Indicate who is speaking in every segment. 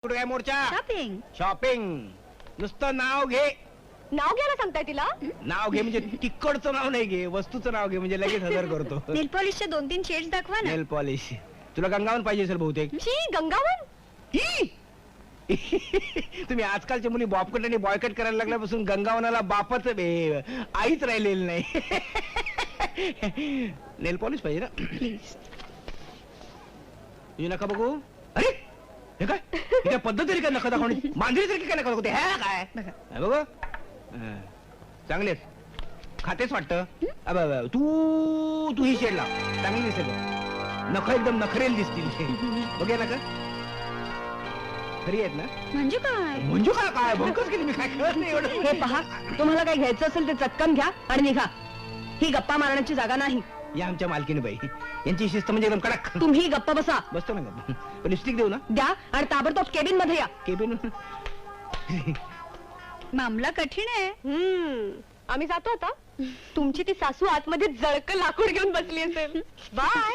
Speaker 1: कुठे काय मोर्चा?
Speaker 2: Shopping.
Speaker 1: Shopping नुसतं नाव घे.
Speaker 2: नाव घ्यायला सांगताय तिला?
Speaker 1: नाव घे म्हणजे तिकडचं नाव नाही घे, वस्तूचं नाव घे म्हणजे लगेच हजर करतो.
Speaker 2: नेल पॉलिशचे 2-3 शेड्स दाखवा ना.
Speaker 1: नेल पॉलिश तुला गंगावन पाहिजे असेल बहुतेक.
Speaker 2: शी, गंगावन?
Speaker 1: ही! तुम्ही आजकालच्या मुली बॉबकट आणि बॉयकट करायला लागल्यापासून गंगावनाला बापच आईच राहिलेली नाही. नेल पॉलिश पाहिजे ना.
Speaker 2: प्लीज.
Speaker 1: तुझी नका बघू. अरे हे काय हे काय पद्धत तरी काय नका दाखवणी. मांजरीसारखी काय नका दाखवते. हे काय
Speaker 2: बघा.
Speaker 1: हे बघ चांगलेच खातेच वाटतं. तू तू ही शेड लाव, चांगली दिसेल बघ. नख एकदम नखरेल दिसतील. बघे नका खरी आहेत ना.
Speaker 2: म्हणजे काय?
Speaker 1: म्हणजे काय काय भंकच केली मी, काय कळत नाही एवढं.
Speaker 3: हे पहा, तुम्हाला काही घ्यायचं असेल ते चटकन घ्या आणि निघा. ही गप्पा मारण्याची जागा नाही.
Speaker 1: या आमच्या मालकीने बाई, यांची शिस्त म्हणजे एकदम कडक.
Speaker 3: तुम्ही गप्पा बसा.
Speaker 1: बसतो ना गप्प. लिपस्टिक देऊ ना.
Speaker 3: द्या आणि ताबडतोब केबिन मध्ये या.
Speaker 1: केबिन
Speaker 2: मामला कठीण आहे. आम्ही जातो आता. तुमची ती सासू आतमध्ये जळक लाकूड घेऊन बसली असेल. Bye.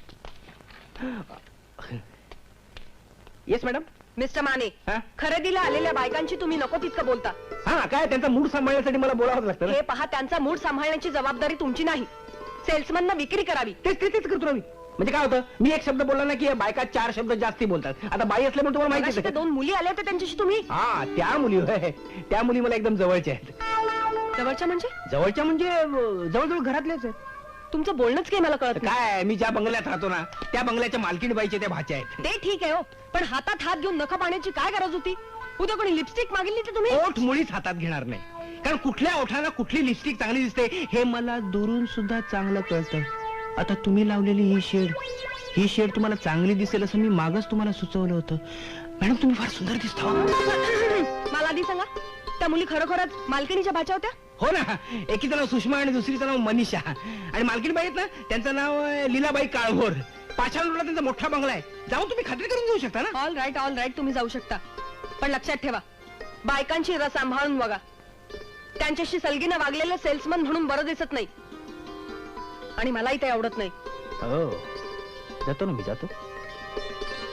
Speaker 1: Yes madam.
Speaker 3: Mister Mane,
Speaker 1: हा?
Speaker 3: खरेदीला आलेल्या बायकांची तुम्ही नको तितकं बोलता.
Speaker 1: हा काय त्यांचा मूड सांभाळण्यासाठी मला बोलावंच लागतं ना.
Speaker 3: हे पहा, त्यांचा मूड सांभाळण्याची जबाबदारी तुमची नाही. सेल्समन विक्री करावी.
Speaker 1: तेच तेच तेच करतो ना मी. म्हणजे काय होतं, मी एक शब्द बोलला ना की बायका 4 शब्द जास्ती बोलतात. आता बाई असल्यामुळे तुम्हाला माहिती
Speaker 3: मगाशी त्या 2 मुली आल्या होत्या त्यांच्याशी तुम्ही.
Speaker 1: हा त्या मुली होय. त्या मुली मला एकदम जवळच्या आहेत.
Speaker 3: जवळच्या म्हणजे?
Speaker 1: जवळच्या म्हणजे जवळजवळ घरातल्याच आहेत.
Speaker 3: तुमचं बोलणंच काही मला कळत नाही.
Speaker 1: काय मी ज्या बंगल्यात राहतो ना त्या बंगल्याच्या मालकीण बाईच्या त्या भाच्या आहेत.
Speaker 3: ते ठीक आहे हो, पण हातात हात घेऊन नखा पाण्याची काय गरज होती? उद्या कोणी लिपस्टिक मागितली तर तुम्ही?
Speaker 1: ओठ मुळीच हातात घेणार नाही, कारण कुठल्या ओठाला कुठली लिपस्टिक चांगली दिसते हे मला दुरून सुद्धा चांगलं कळतं. आता तुम्ही लावलेली ही शेड तुम्हाला चांगली दिसेल असं मी मागच तुम्हाला सुचवलं होतं. मॅडम तुम्ही फार सुंदर दिसता.
Speaker 3: मला आधी सांगा, त्या मुली खरोखरच मालकिणीच्या भाच्या होत्या?
Speaker 1: हो ना. एकीचं नाव सुषमा आणि दुसरीचं नाव मनीषा. आणि मालकीण बाई आहेत ना त्यांचं नाव लीलाबाई काळभोर. पाषाण रोडला त्यांचा मोठा बंगला आहे. जाऊन तुम्ही खात्री करून घेऊ शकता ना.
Speaker 3: ऑल राईट तुम्ही जाऊ शकता, पण लक्षात ठेवा, बायकांची रस सांभाळून बघा. त्यांच्याशी सलगीनं वागलेलं सेल्समन म्हणून बरं दिसत नाही, आणि मलाही ते आवडत नाही.
Speaker 1: हो जातो ना मी जातो.